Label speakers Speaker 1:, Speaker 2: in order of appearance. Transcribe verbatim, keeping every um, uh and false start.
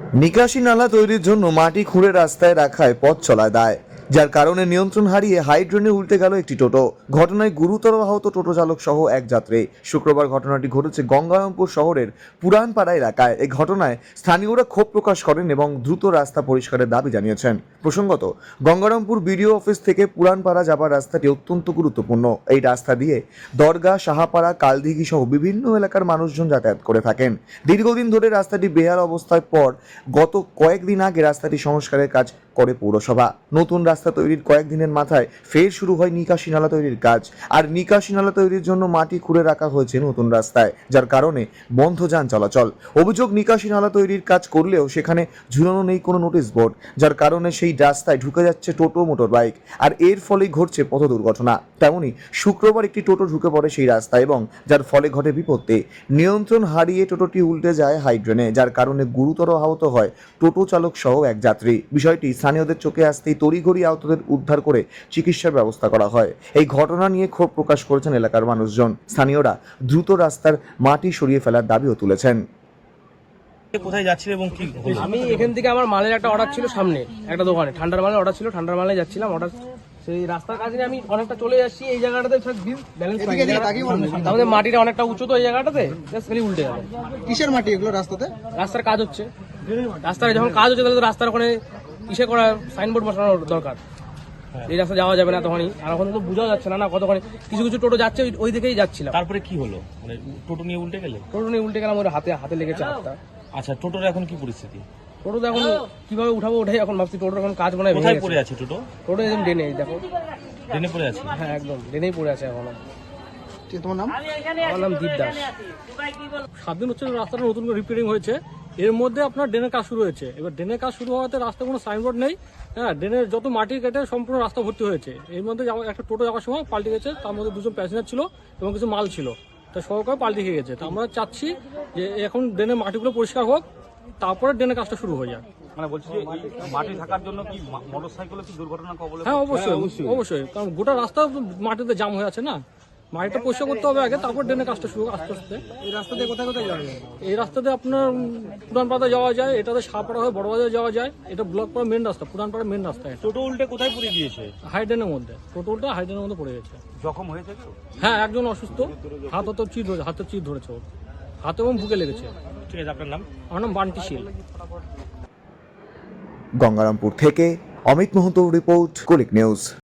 Speaker 1: নিকাশি নালা তৈরির জন্য মাটি খুঁড়ে রাস্তায় রাখায় পথ চলায় দায়, যার কারণে নিয়ন্ত্রণ হারিয়ে হাইড্রেনে উল্টে গেল একটি টোটো। ঘটনায় গুরুতর আহত টোটো চালক সহ এক যাত্রী। শুক্রবার ঘটনাটি ঘটেছে গঙ্গারামপুর শহরের পুরানপাড়া এলাকায়। এই ঘটনায় স্থানীয়রা ক্ষোভ প্রকাশ করেন এবং দ্রুত রাস্তা পরিষ্কারের দাবি জানিয়েছেন। প্রসঙ্গত, গঙ্গারামপুর বিডিও অফিস থেকে পুরানপাড়া যাবার রাস্তাটি অত্যন্ত গুরুত্বপূর্ণ। এই রাস্তা দিয়ে দরগা, সাহাপাড়া, কালদিঘি সহ বিভিন্ন এলাকার মানুষজন যাতায়াত করে থাকেন। দীর্ঘদিন ধরে রাস্তাটি বেহাল অবস্থায় পর গত কয়েকদিন আগে রাস্তাটি সংস্কারের কাজ করে পৌরসভা। নতুন রাস্তা তৈরির কয়েকদিনের মাথায় ফের শুরু হয় নিকাশি নালা তৈরির কাজ। আর নিকাশি নালা তৈরির জন্য মাটি খুঁড়ে রাখা হয়েছে নতুন রাস্তায়, যার কারণে বন্ধ যান চলাচল। অভিযোগ, নিকাশি নালা তৈরির কাজ করলেও সেখানে ঝুলানো নেই কোনো নোটিশ বোর্ড, যার কারণে সেই রাস্তায় ঢুকে যাচ্ছে টোটো, মোটর বাইক, আর এর ফলেই ঘটছে পথ দুর্ঘটনা। তেমনি শুক্রবার একটি টোটো ঢুকে পড়ে সেই রাস্তায় এবং যার ফলে ঘটে বিপত্তি। নিয়ন্ত্রণ হারিয়ে টোটোটি উল্টে যায় হাইড্রেনে, যার কারণে গুরুতর আহত হয় টোটো চালক সহ এক যাত্রী। বিষয়টি স্থানীয়দের চোখে আসতেই তড়িঘড়ি আহতদের উদ্ধার করে চিকিৎসার ব্যবস্থা করা হয়। এই ঘটনা নিয়ে ক্ষোভ প্রকাশ করেছেন এলাকার মানুষজন। স্থানীয়রা দ্রুত রাস্তার মাটি সরিয়ে ফেলার দাবিও তুলেছেন।
Speaker 2: কোথায় যাচ্ছিল এবং কি হলো?
Speaker 3: আমি এখান থেকে আমার মালের একটা অর্ডার ছিল, সামনে একটা দোকানে ঠান্ডার মালের অর্ডার ছিল, ঠান্ডার মালে যাচ্ছিলাম। অর্ডার সেই রাস্তার কাছে আমি অনেকটা চলে যাচ্ছি, এই জায়গাটাতে ব্যালেন্স আমাদের মাটিটা অনেকটা উঁচু, তো এই জায়গাটাতে জাস্ট খালি উল্টে গেল।
Speaker 4: কিসের মাটি এগুলো রাস্তাতে?
Speaker 3: রাস্তার কাজ হচ্ছে, রাস্তায় যখন কাজ হচ্ছে তাহলে তো রাস্তার ওখানে ইসে করা সাইনবোর্ড বসানোর দরকার। এই রাস্তা যাওয়া যাবে না তখনই, আর এখন তো বোঝা যাচ্ছে না না কতক্ষণে কিছু কিছু টোটো যাচ্ছে, ওই দিকেই যাচ্ছিলাম।
Speaker 2: তারপরে কি হলো? মানে টোটো নিয়ে উল্টে গেলে?
Speaker 3: টোটো নিয়ে উল্টে গেলাম, ওর হাতে হাতে লেগেছে হাতটা।
Speaker 2: আচ্ছা, টোটোর এখন কি পরিস্থিতি?
Speaker 3: টোটো তো এখন কিভাবে উঠাবো ওঠাই এখন ভাবছি। টোটোর এখন কাজ মনে হয়
Speaker 2: কোথায় পড়ে আছে টোটো?
Speaker 3: টোটো একদম ডেনে, দেখো
Speaker 2: ট্রেনে পড়ে আছে।
Speaker 3: হ্যাঁ একদম ডেনেই পড়ে আছে এখন।
Speaker 4: ঠিক, তোমার নাম?
Speaker 3: আমার নাম দীপ দাস।
Speaker 5: সাত দিন হচ্ছে রাস্তাটা নতুন করে রিপেয়ারিং হয়েছে, এর মধ্যে আপনার ড্রেনের কাজ শুরু হয়েছে। এবার ড্রেনের কাজ শুরু হওয়াতে রাস্তায় কোনো সাইনবোর্ড নেই। হ্যাঁ, ড্রেনের যত মাটি কেটে সম্পূর্ণ রাস্তা ভর্তি হয়েছে। এর মধ্যে একটা টোটো যাওয়ার সময় পাল্টে গেছে, তার মধ্যে দুজন প্যাসেঞ্জার ছিল এবং কিছু মাল ছিল, তা সহকারে পাল্টে খেয়ে গেছে। তো আমরা চাচ্ছি যে এখন ড্রেনের মাটিগুলো পরিষ্কার হোক, তারপরে ড্রেনের কাজটা শুরু হয়ে যায়।
Speaker 2: মানে বলছি যে মাটি থাকার জন্য কি মোটরসাইকেল কি দুর্ঘটনা কবলে?
Speaker 5: হ্যাঁ অবশ্যই অবশ্যই, কারণ গোটা রাস্তা মাটিতে জাম হয়ে আছে না। মাটিটা পরিষ্কার করতে হবে আগে, তারপর ড্রেনের কাজটা শুরু আস্তে আস্তে।
Speaker 4: এই রাস্তা দিয়ে কোথায় কোথায় যাওয়া যায়?
Speaker 5: এই রাস্তাতে আপনার পুরানপাড়া যাওয়া যায়, এটাতে সাপাড়া হয়ে বড়বাজার যাওয়া যায়। এটা ব্লক পাড়া মেন রাস্তা, পুরানপাড়া মেন রাস্তা। এটা
Speaker 2: টোটো উল্টে কোথায় পড়ে গিয়েছে?
Speaker 5: হাইডেনের মধ্যে, টোটোটা হাইডেনের মধ্যে পড়ে গেছে।
Speaker 2: জখম হয়েছে কেউ?
Speaker 5: হ্যাঁ, একজন অসুস্থ, হাত তো চির ধরেছে, হাতে চির ধরেছে ওর, হাতে এবং বুকে লেগেছে।
Speaker 2: ঠিক আছে, আপনার নাম?
Speaker 5: আমার নাম বান্টি শীল।
Speaker 1: গঙ্গারামপুর থেকে অমিত মোহন্তর রিপোর্ট, কুলিক নিউজ।